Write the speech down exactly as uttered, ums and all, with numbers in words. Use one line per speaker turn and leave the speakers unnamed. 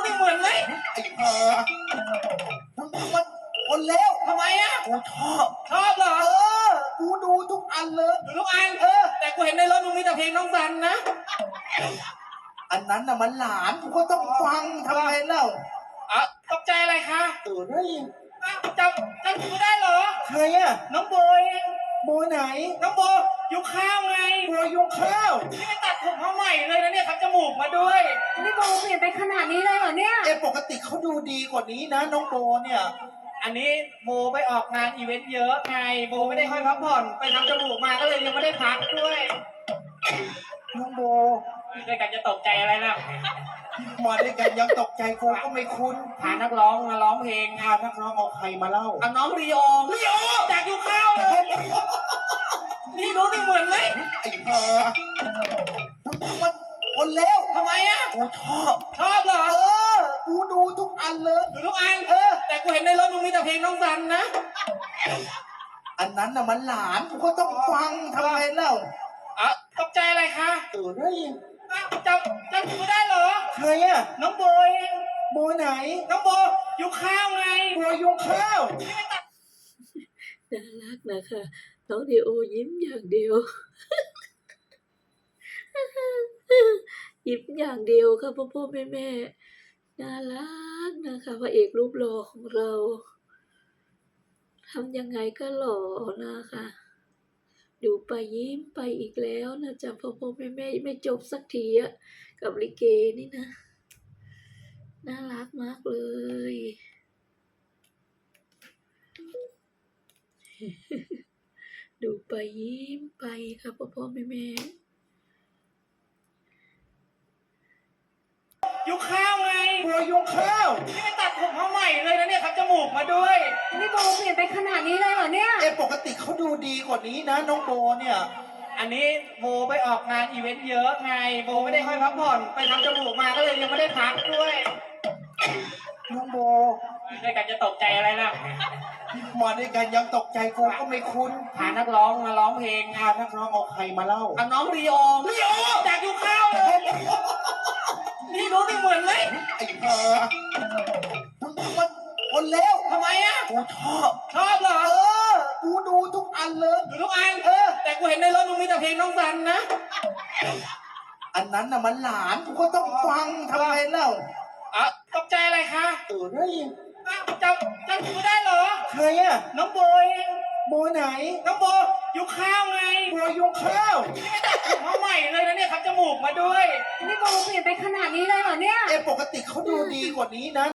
นี่เหมือนไหม
ไอ้เออมึงมันคนเลว
ทำไมอ่ะ
กูชอบ
ชอบเหรอ
เออกูดูทุกอันเลย
ดูทุกอัน
เออ
แต่กูเห็นในรถมึงมีแต่เพลงน้องสันนะ
อันนั้นน่ะมันหลานกูก็ต้องฟังทำไมเล่า
อ่ะตกใจอะไรคะ
เออเฮ้ย
อ้าวจำจำกูได้เหรอ
ใครอะ
น้องโบย
โบไหน
น้องโบยุคข้าวไง
โบยุงข้าว
นี่ไปตัดผมเขาใหม่เลยนะเนี่ยทำจมูกมาด้วย
นี่โบเปลี่ยนไปขนาดนี้เลยเหรอเนี่ย
เอปกติเขาดูดีกว่านี้นะน้องโบเนี่ย
อันนี้โบไปออกงานอีเวนต์เยอะไงโบไม่ได้ค่อยพักผ่อนไปทำจมูกมาก็เลยยังไม่ได้พักด้วย
น้องโบ
ด้วยกันจะตกใจอะไรล่ะ
มาด้วยกันยังตกใจกูก็ไม่คุ้น
พานักร้องมาร้องเพลง
พานักร้องเอาใครมาเล่า
เอาน้องรีโอรีโอจากยุคข้าวเลยนี่รู้นี่เหมือนไหม
ไอ้เออมึงมันคนเลว
ทำไมอ่ะ
กูชอบ
ชอบเหรอ
เออกูดูทุกอันเลย
ดูทุกอัน
เออ
แต่กูเห็นในรถมึงมีแต่เพลงน้องสันนะ
อันนั้นน่ะมันหลานกูก็ต้องฟังทำไมเล่า
อ่ะตกใจอะไรคะ
เออเฮ้ย
อ้าวจำจำกูได้เหรอ
ใครอะ
น้องโบย
โบไหน
น้องโบยุคข้าวไง
โบยุงข้าว
น่ารักนะคะน้องดีโอยิ้มอย่างเดียวยิ้มอย่างเดียวค่ะพ่อพ่อแม่แม่น่ารักนะคะพระเอกรูปหล่อของเราทำยังไงก็หล่อนะคะดูไปยิ้มไปอีกแล้วนะจ๊ะพ่อพ่อแม่แม่ไม่จบสักทีอะกับลิเกนี่นะน่ารักมากเลยดูไปยิ้มไปค่ะพ่อพ่อแม่แม่
ยุคข้าวไง
โบยุงข้าว
นี่ไปตัดผมเขาใหม่เลยนะเนี่ยทำจมูกมาด้วย
นี่โบเปลี่ยนไปขนาดนี้เลยเหรอเนี่ย
เอปกติเขาดูดีกว่านี้นะน้องโบเนี่ย
อันนี้โบไปออกงานอีเวนต์เยอะไงโบไม่ได้ค่อยพักผ่อนไปทำจมูกมาก็เลยยังไม่ได้พักด้วย
น้องโบ
ด้วยกันจะตกใจอะไรล่ะ
มาด้วยกันยังตกใจกูก็ไม่คุ้น
พานักร้องมาร้องเพลง
พานักร้องเอาใครมาเล่า
เอาน้องรีโอรีโอจากยุคข้าวเลยนี่รู้นี่เหมือนไหม
ไอ้เออมึงมันคนเลว
ทำไมอ่ะ
กูชอบ
ชอบเหรอ
เออกูดูทุกอันเลย
ดูทุกอัน
เออ
แต่กูเห็นในรถมึงมีแต่เพลงน้องสันนะ
อันนั้นน่ะมันหลานกูก็ต้องฟังทำไมเล่า
อ่ะตกใจอะไรคะ
เออเฮ้ย
อ้าวจำจำกูได้เหรอ
ใครอะ
น้องโบย
โบไหน
น้องโบยุคข้าวไง
โบยุงข้าว
นี่ไปตัดผมเขาใหม่เลยนะเนี่ยทำจมูกมาด้วย
นี่โบเปลี่ยนไปขนาดนี้เลยเหรอเนี่ย
เอปกติเขาดูดีกว่านี้นะ